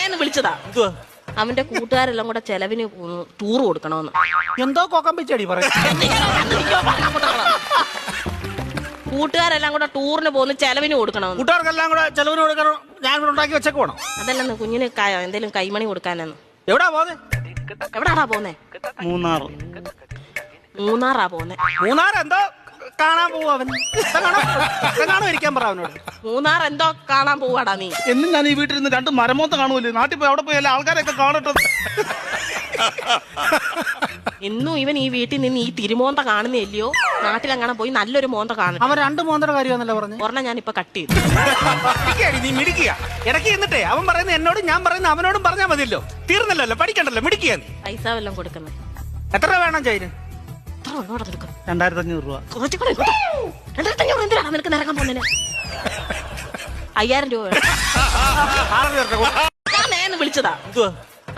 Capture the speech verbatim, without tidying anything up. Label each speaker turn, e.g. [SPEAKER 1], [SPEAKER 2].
[SPEAKER 1] നേന്ന് വിളിച്ചതാ. അവന്റെ കൂട്ടുകാരെല്ലാം കൂടെ ചെലവിന് ടൂർ കൊടുക്കണമെന്ന്.
[SPEAKER 2] എന്തോ കോക്കം പിച്ചടി പറയും.
[SPEAKER 1] കൂട്ടുകാരെല്ലാം കൂടെ ടൂറിന് പോകുന്ന ചെലവിന് കൊടുക്കണമെന്ന്.
[SPEAKER 2] കൂട്ടുകാർക്കെല്ലാം കൂടെ ചെലവിന് കൊടുക്കണം. ഞാൻ കൂടെ ഉണ്ടാക്കി വെച്ചേക്ക് വേണം.
[SPEAKER 1] അതല്ലെന്ന് കുഞ്ഞിന് എന്തേലും കൈമണി കൊടുക്കാനെന്ന്.
[SPEAKER 2] എവിടാ പോന്നെ?
[SPEAKER 1] എവിടാടാ പോന്നെ?
[SPEAKER 2] മൂന്നാർ.
[SPEAKER 1] മൂന്നാറാ പോന്നെ.
[SPEAKER 2] മൂന്നാർ എന്തോ കാണാൻ പോവും അവൻ. കാണോ ഇരിക്കാൻ പറ അവനോട്.
[SPEAKER 1] മൂന്നാർ എന്തോ കാണാൻ പോവാടാ നീ.
[SPEAKER 3] എന്നും ഞാൻ ഈ വീട്ടിൽ നിന്ന് രണ്ട് മരമോത്ത കാണുമല്ലേ. നാട്ടിൽ പോയി അവിടെ പോയി എല്ലാ ആൾക്കാരൊക്കെ കാണട്ടെ.
[SPEAKER 1] എന്നും ഇവൻ ഈ വീട്ടിൽ നിന്ന് ഈ തിരുമോന്ത കാണുന്നില്ലയോ. നാട്ടിലെങ്ങനെ പോയി നല്ലൊരു മോന്ത കാണും.
[SPEAKER 2] അവൻ രണ്ട് മോന്തയുടെ കാര്യമാണല്ലോ പറഞ്ഞു.
[SPEAKER 1] ഒരെണ്ണം ഞാൻ ഇപ്പൊ കട്ട് ചെയ്തു.
[SPEAKER 2] നീ മിടിക്കുക ഇടയ്ക്ക് എന്നിട്ടേ അവൻ പറയുന്നത് എന്നോടും ഞാൻ പറയുന്നത് അവനോടും പറഞ്ഞാൽ മതിയല്ലോ. തീർന്നല്ലോ, പഠിക്കണ്ടല്ലോ, മിടിക്കുക നീ.
[SPEAKER 1] പൈസ വല്ലതും കൊടുക്കുന്നത്
[SPEAKER 2] എത്ര രൂപ വേണം ചൈന്? രണ്ടായിരത്തി അഞ്ഞൂറ് രൂപ.
[SPEAKER 1] രണ്ടായിരത്തി അഞ്ഞൂറ് എന്തിനാണ് നിനക്ക് നിറങ്ങാൻ പോകുന്നതിന്? അയ്യായിരം രൂപ ഞാൻ നേന്ന് വിളിച്ചതാ.